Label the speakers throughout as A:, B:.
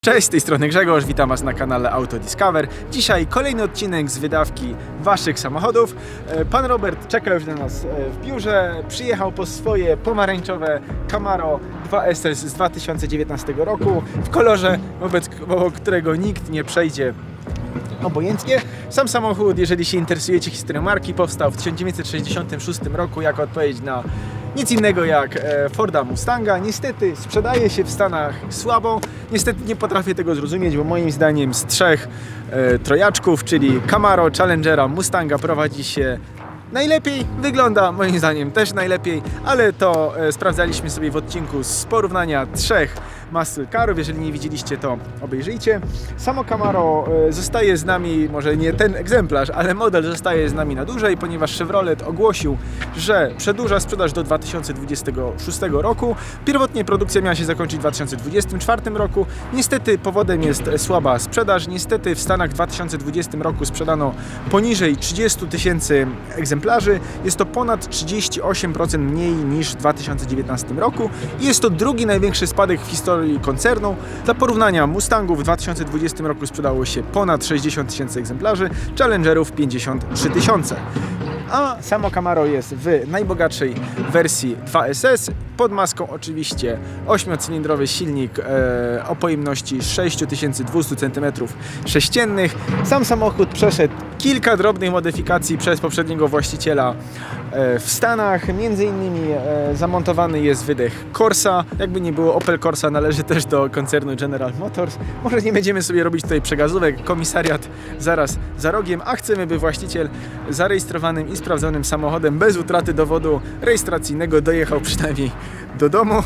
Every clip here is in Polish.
A: Cześć, z tej strony Grzegorz, witam Was na kanale Auto Discover. Dzisiaj kolejny odcinek z wydawki Waszych samochodów. Pan Robert czeka już na nas w biurze, przyjechał po swoje pomarańczowe Camaro 2SS z 2019 roku w kolorze, wobec którego nikt nie przejdzie obojętnie. Sam samochód, jeżeli się interesujecie historią marki, powstał w 1966 roku jako odpowiedź na nic innego jak Forda Mustanga. Niestety sprzedaje się w Stanach słabo. Niestety nie potrafię tego zrozumieć, bo moim zdaniem z trzech trojaczków, czyli Camaro, Challengera, Mustanga, prowadzi się najlepiej, wygląda moim zdaniem też najlepiej, ale to sprawdzaliśmy sobie w odcinku z porównania trzech muscle carów. Jeżeli nie widzieliście, to obejrzyjcie. Samo Camaro zostaje z nami, może nie ten egzemplarz, ale model zostaje z nami na dłużej, ponieważ Chevrolet ogłosił, że przedłuża sprzedaż do 2026 roku. Pierwotnie produkcja miała się zakończyć w 2024 roku. Niestety powodem jest słaba sprzedaż. Niestety w Stanach w 2020 roku sprzedano poniżej 30 000 egzemplarzy. Jest to ponad 38% mniej niż w 2019 roku i jest to drugi największy spadek w historii koncernu. Dla porównania, Mustangów w 2020 roku sprzedało się ponad 60 000 egzemplarzy, Challengerów 53 000. A samo Camaro jest w najbogatszej wersji 2SS, pod maską oczywiście 8-cylindrowy silnik o pojemności 6200 cm3. Sam samochód przeszedł kilka drobnych modyfikacji przez poprzedniego właściciela w Stanach. Między innymi zamontowany jest wydech Corsa. Jakby nie było, Opel Corsa należy też do koncernu General Motors. Może nie będziemy sobie robić tutaj przegazówek, komisariat zaraz za rogiem, a chcemy, by właściciel zarejestrowanym i sprawdzonym samochodem bez utraty dowodu rejestracyjnego dojechał przynajmniej do domu.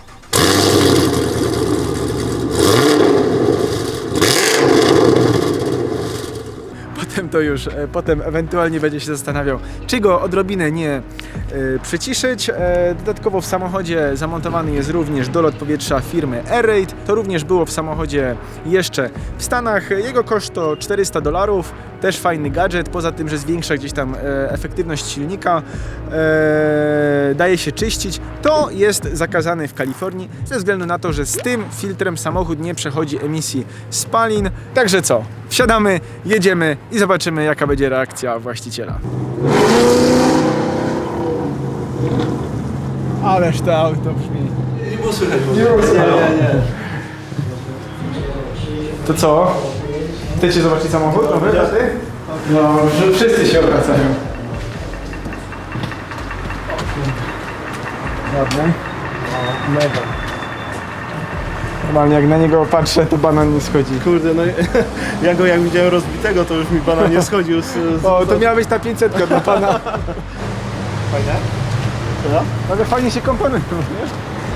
A: Potem ewentualnie będzie się zastanawiał, czy go odrobinę nie przyciszyć. Dodatkowo w samochodzie zamontowany jest również dolot powietrza firmy Air-Raid. To również było w samochodzie jeszcze w Stanach. Jego koszt to $400. Też fajny gadżet, poza tym, że zwiększa gdzieś tam efektywność silnika, daje się czyścić. To jest zakazane w Kalifornii ze względu na to, że z tym filtrem samochód nie przechodzi emisji spalin. Także co? Wsiadamy, jedziemy i zobaczymy, jaka będzie reakcja właściciela. Ależ to auto brzmi.
B: Nie było słychać.
A: Nie. To co? Chcecie zobaczyć samochód? Nowy, ty? No, że wszyscy się obracają. Ładny. Mega. Normalnie jak na niego patrzę, to banan nie schodzi.
B: Kurde, no ja go jak widziałem rozbitego, to już mi banan nie schodził
A: O, to miała być ta 500 dla pana.
B: Fajnie?
A: No? Ale fajnie się komponują, wiesz?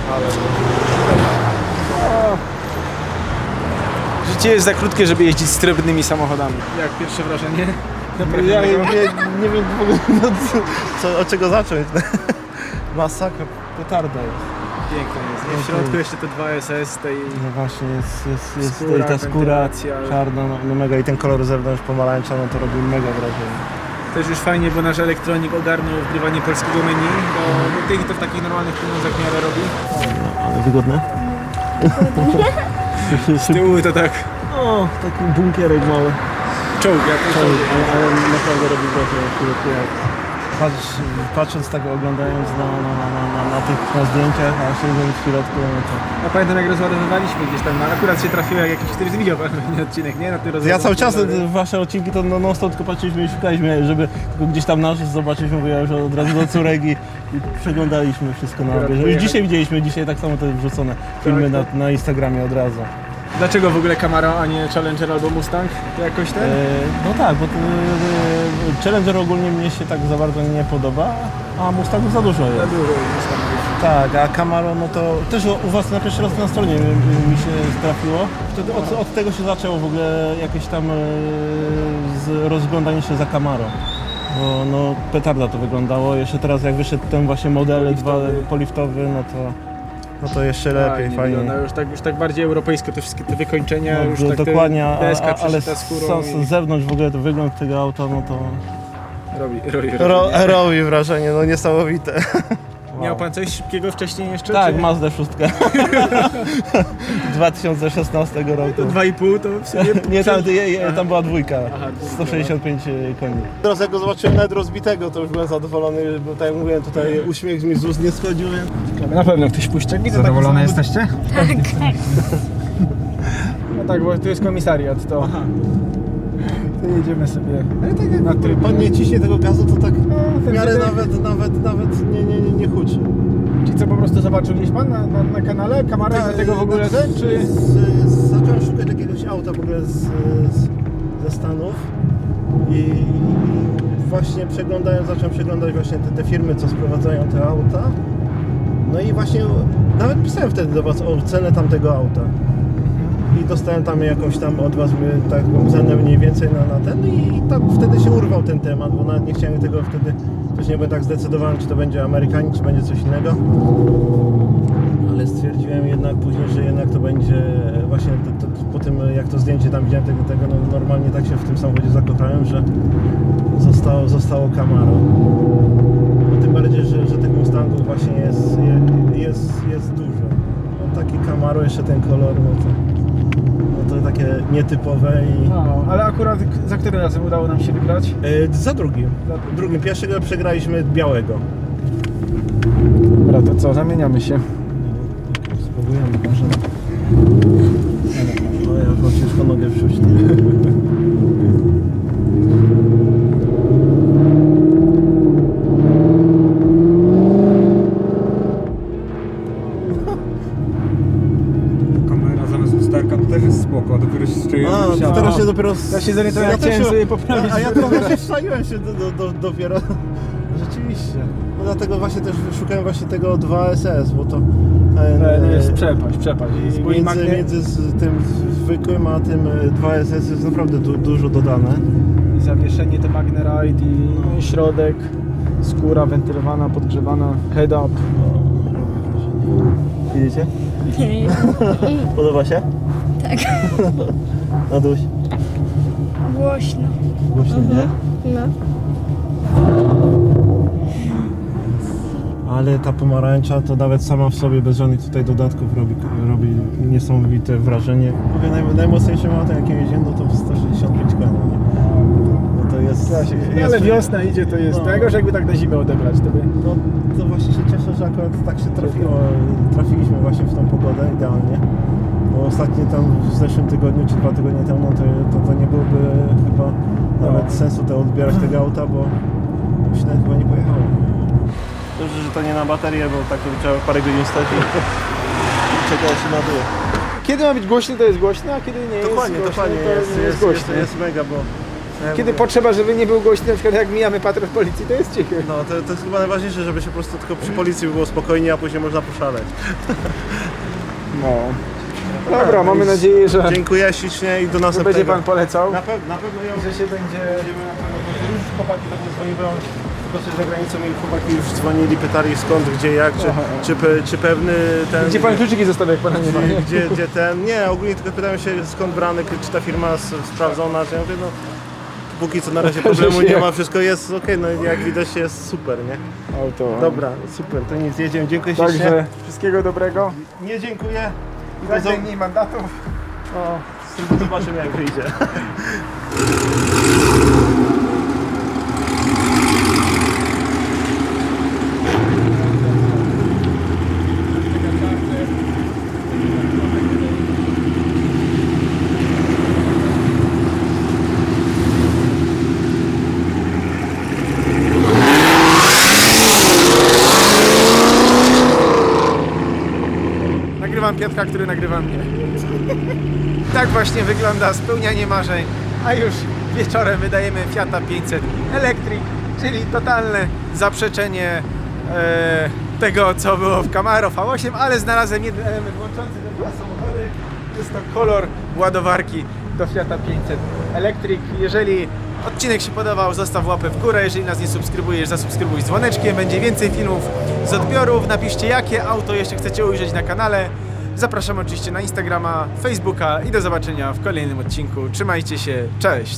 A: Życie jest za krótkie, żeby jeździć z trudnymi samochodami. Jak pierwsze wrażenie?
B: Ja nie wiem w ogóle od czego zacząć. Masakra, petarda jest.
A: Piękne jest. W środku jeszcze te 2SS, tej...
B: No właśnie, jest
A: Skóra,
B: ta skóra
A: wentylacja.
B: czarna, no mega, i ten kolor zewnątrz pomarańcza, no to robi mega wrażenie.
A: Też już fajnie, bo nasz elektronik ogarnął wgrywanie polskiego menu, bo tych to w takich normalnych pieniądzach w miarę robi.
B: Ale wygodne?
A: Z tyłu to tak...
B: O, taki bunkierek mały.
A: Czołg, jak to czołg.
B: Ale naprawdę robi wrażenie. Patrząc tak, oglądając na zdjęciach, a siedząc w środku, no to...
A: Ja pamiętam, jak rozładowywaliśmy gdzieś tam, ale akurat się trafiło, jak jakiś któryś widział pewnie odcinek, nie? Na tym
B: Ja cały czas wasze odcinki to non stop tylko patrzyliśmy i szukaliśmy, żeby tylko gdzieś tam nasz zobaczyć, mówię, ja już od razu do córek i przeglądaliśmy wszystko na bieżąco. Już dzisiaj widzieliśmy, tak samo to wrzucone filmy na Instagramie od razu.
A: Dlaczego w ogóle Camaro, a nie Challenger albo Mustang? To jakoś ten?
B: No tak, bo Challenger ogólnie mnie się tak za bardzo nie podoba, a Mustangów za dużo jest.
A: Za dużo Mustangów.
B: Tak, a Camaro, no to też u was na pierwszy raz na stronie mi się trafiło. Wtedy od tego się zaczęło w ogóle jakieś tam rozglądanie się za Camaro. Bo no petarda to wyglądało. Jeszcze teraz jak wyszedł ten właśnie model poliftowy, no to jeszcze lepiej, fajnie.
A: Już tak bardziej europejsko, te wszystkie te wykończenia,
B: No,
A: już tak
B: dokładnie,
A: ale
B: z zewnątrz w ogóle to wygląd tego auta, no to
A: robi
B: robi wrażenie, no niesamowite.
A: Miał pan coś szybkiego wcześniej jeszcze?
B: Tak,
A: czy...
B: Mazda 6. 2016 roku.
A: To 2,5 to w sumie...
B: Nie, tam była dwójka.
A: Aha, dwójka.
B: 165 koni. Teraz jak go zobaczyłem nawet rozbitego, to już byłem zadowolony, bo tak jak mówiłem, tutaj uśmiech mi z ust nie schodził, więc...
A: Na pewno ktoś puszcza. Widzę
C: Zadowolone
A: taki samochód.
C: jesteście?
D: Tak.
A: No tak, bo tu jest komisariat, to... To jedziemy sobie na tryb.
B: Pan nie ciśnie tego gazu, to tak w
A: ten
B: miarę
A: wydech.
B: nawet nie huczy.
A: Czy co, po prostu zobaczył gdzieś pan na kanale? Kamarek do tego w ogóle ten, czy...
B: Zacząłem szukać jakiegoś auta w ogóle ze Stanów i właśnie zacząłem przeglądać właśnie te firmy, co sprowadzają te auta. No i właśnie nawet pisałem wtedy do was o cenę tamtego auta. I dostałem tam jakąś tam od was taką cenę mniej więcej na ten i tak wtedy się urwał ten temat, bo nawet nie chciałem tego wtedy, też nie byłem tak zdecydowany, czy to będzie Amerykanin, czy będzie coś innego. Ale stwierdziłem jednak później, że jednak to będzie właśnie po tym jak to zdjęcie tam widziałem tego no normalnie tak się w tym samochodzie zakochałem, że zostało Camaro. No tym bardziej, że tych Mustangów właśnie jest dużo. No, taki Camaro, jeszcze ten kolor, no to takie nietypowe i...
A: No, ale akurat za którym razem udało nam się wygrać?
B: Za drugim. Pierwszego przegraliśmy białego.
A: Dobra, to co, zamieniamy się.
B: Spróbujemy może. No ja mam ciężko nogę wrzuć.
C: Kamera zamiast lusterka to też jest spoko, dopiero się strzeliłem.
B: A, teraz się dopiero...
A: Ja się zorientowałem,
B: Ja
A: chciałem
B: też się-
A: sobie poprawić.
B: A ja to właśnie wstaliłem się dopiero. Rzeczywiście. No dlatego właśnie też szukałem właśnie tego 2SS, bo to...
A: No jest przepaść.
B: Między tym zwykłym a tym 2SS jest naprawdę dużo dodane.
A: I zawieszenie to Magnaride i środek, skóra wentylowana, podgrzewana, head up.
B: Widzicie? Podoba się?
D: Tak.
B: Naduś.
D: Głośno.
B: Głośno, nie?
D: No.
B: Ale ta pomarańcza to nawet sama w sobie bez żadnych tutaj dodatków robi niesamowite wrażenie. Mówię, najmocniejszym autem jakie jeździłem, no to 165 koni. No to jest...
A: Ale wiosna idzie, to jest
B: No.
A: tego, że jakby tak na zimę odebrać, to by...
B: No to właśnie się cieszę, że akurat tak się trafiliśmy właśnie w tą pogodę idealnie. Bo ostatnio tam w zeszłym tygodniu czy 2 tygodnie temu to nie byłoby chyba nawet sensu odbierać tego auta, bo myślę, chyba nie pojechałem. Dobrze, że to nie na baterię, bo tak to trzeba parę godzin stać i czekać się na dół.
A: Kiedy ma być głośny, to jest głośno, a kiedy nie
B: Dokładnie,
A: jest głośno,
B: dokładnie,
A: to nie jest głośno.
B: jest mega, bo...
A: Kiedy potrzeba, żeby nie był głośny, na przykład jak mijamy patrol policji, to jest cichy.
B: No to jest chyba najważniejsze, żeby się po prostu tylko przy policji było spokojnie, a później można poszaleć.
A: No. Dobra, mamy nadzieję, że
B: Dziękuję ślicznie i do
A: że
B: następnego.
A: będzie pan polecał,
B: Na pewno ją...
A: że się będzie...
B: Już chłopaki tak nie dzwoniły, tylko coś za granicą i chłopaki już dzwonili, pytali skąd, gdzie, jak, czy pewny ten...
A: Gdzie pan kluczyki zostawia, jak pana nie ma, nie?
B: Gdzie ten... Nie, ogólnie tylko pytają się skąd brany, czy ta firma sprawdzona, że ja mówię, no... Póki co na razie problemu nie ma, wszystko jest okej, no jak widać jest super, nie?
A: Auto.
B: Dobra, super, to nic, jedziemy, dziękuję ślicznie.
A: Także wszystkiego dobrego.
B: Nie dziękuję.
A: Jak najmniej mandatów.
B: O, zobaczymy jak wyjdzie.
A: Nagrywam Piotrka, który nagrywa mnie. Tak właśnie wygląda spełnianie marzeń, a już wieczorem wydajemy Fiata 500 Electric, czyli totalne zaprzeczenie tego, co było w Camaro V8, ale znalazłem jeden element łączący te dwa samochody. Jest to kolor ładowarki do Fiata 500 Electric. Jeżeli odcinek się podobał, zostaw łapę w górę. Jeżeli nas nie subskrybujesz, zasubskrybuj z dzwoneczkiem. Będzie więcej filmów z odbiorów. Napiszcie, jakie auto jeszcze chcecie ujrzeć na kanale. Zapraszam oczywiście na Instagrama, Facebooka i do zobaczenia w kolejnym odcinku. Trzymajcie się, cześć!